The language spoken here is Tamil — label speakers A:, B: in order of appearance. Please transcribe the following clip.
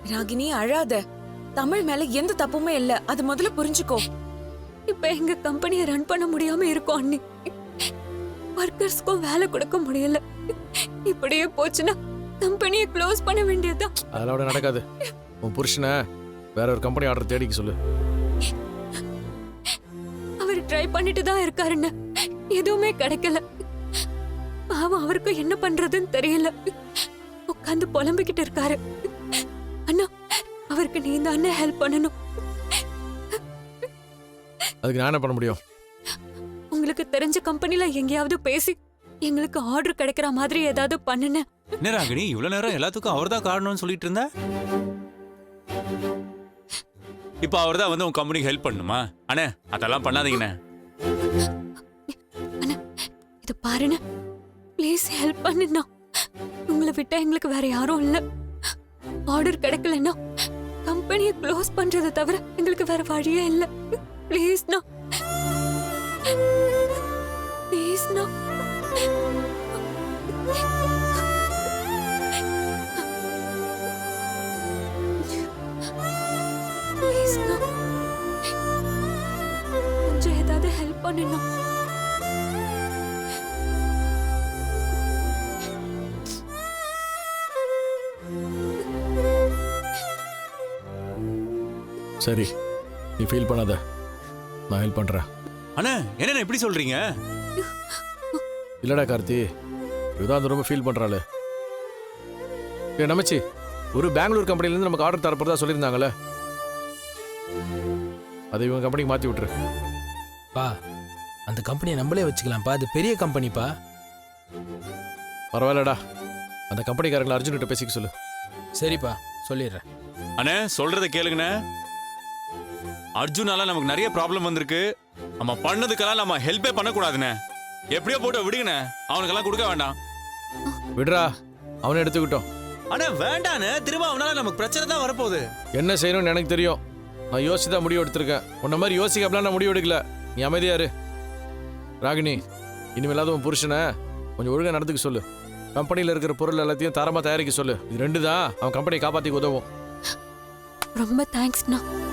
A: ராகினி அழாத. தமிழ் மேல எந்த தப்புமே இல்ல, அது முதல்ல புரிஞ்சுக்கோ.
B: இப்ப எங்க கம்பெனியை ரன் பண்ண முடியாம இருக்கோம் அண்ணி. ஒர்க்கர்ஸ்க்கும் வேலை கொடுக்க முடியல. இப்படியே போச்சுன்னா கம்பெனியை க்ளோஸ் பண்ண வேண்டியதுதான்.
C: அதெல்லாம் நடக்காது. உன் புருஷனை வேற ஒரு கம்பெனி ஆர்டர் தேடிக்க சொல்லு.
B: அவர் ட்ரை பண்ணிட்டு தான் இருக்காருன்னு எதுவுமே கிடைக்கல. பாவம், அவருக்கு என்ன பண்றதுன்னு தெரியல. உட்காந்து புலம்பிக்கிட்டு இருக்காரு. அண்ணா, அவருக்கு நீ தான் ஹெல்ப் பண்ணணும்.
C: அதுக்கு நான் என்ன பண்ண முடியும்?
B: உங்களுக்கு தெரிஞ்ச கம்பெனில எங்கேயாவது பேசி எங்களுக்கு ஆர்டர் கிடைக்கிற மாதிரி ஏதாவது பண்ணுன.
D: என்ன ராகினி, இவ்வளவு நேரம் எல்லாத்துக்கும் அவர்தான் காரணம்னு சொல்லிட்டு இருந்தா, இப்ப அவர்தான் வந்து உன் கம்பெனிக்கு ஹெல்ப் பண்ணுமா? அண்ணே, அதெல்லாம் பண்ணாதீங்கண்ணே.
B: அண்ணா, இது பாருண்ணா, ப்ளீஸ் ஹெல்ப் பண்ணுண்ணா. உங்களை விட்டா எங்களுக்கு வேற யாரும் இல்ல. ஆர்டர் கிடைக்கலன்னா கம்பெனியை க்ளோஸ் பண்றதை தவிர எங்களுக்கு வேற வழியே இல்ல. ப்ளீஸ்ண்ணா, ப்ளீஸ்ண்ணா. ப்ளீஸ்ண்ணா, கொஞ்சம் ஏதாவது ஹெல்ப் பண்ணுண்ணா.
C: சரி, நீ ஃபீல் பண்ணாத, நான் ஹெல்ப் பண்றேன்.
D: அண்ணே, என்ன இப்படி சொல்றீங்க?
C: இல்லடா கார்த்தி, இதுதான் ரொம்ப ஃபீல் பண்றாள். நமச்சி, ஒரு பெங்களூர் கம்பெனிலேருந்து நமக்கு ஆர்டர் தரப்போறதா சொல்லியிருந்தாங்கல்ல, அதை இவங்க கம்பெனிக்கு மாற்றி விட்டுரு.
E: பா, அந்த கம்பெனியை நம்மளே வச்சுக்கலாம்ப்பா. அது பெரிய கம்பெனிப்பா.
C: பரவாயில்லடா, அந்த கம்பெனிக்காரங்களை அர்ஜுன்கிட்ட பேசிக்க சொல்லு.
E: சரிப்பா, சொல்லிடுறேன்.
D: அண்ணே, சொல்றத கேளுங்கண்ணே. அர்ஜுனால நமக்கு நிறைய ப்ராப்ளம் வந்திருக்கு. நம்ம பண்ணதுக்கெல்லாம் நம்ம ஹெல்ப்பே பண்ணக்கூடாதுண்ணே. எப்படியோ போட்டு விடுங்கண்ணே, அவனுக்கெல்லாம் கொடுக்க வேண்டாம்.
C: விடுறா, அவனை எடுத்துக்கிட்டோம்.
D: அண்ணே வேண்டாண்ணே, திரும்ப அவனால நமக்கு பிரச்சனை தான் வரப்போகுது.
C: என்ன செய்யணும்னு எனக்கு தெரியும். நான் யோசிச்சு தான் முடிவு எடுத்திருக்கேன். உன்ன மாதிரி யோசிக்கப்பலாம் நான் முடிவு எடுக்கல. நீ அமைதியாரு. ராகினி, இனிமேலாவது உன் புருஷனை கொஞ்சம் ஒழுங்காக நடந்துக்க சொல்லு. கம்பெனியில் இருக்கிற பொருள் எல்லாத்தையும் தரமாக தயாரிக்க சொல்லு. இது ரெண்டு தான் அவன் கம்பெனியை காப்பாற்றிக்க உதவும்.
B: ரொம்ப தேங்க்ஸ்ண்ணா.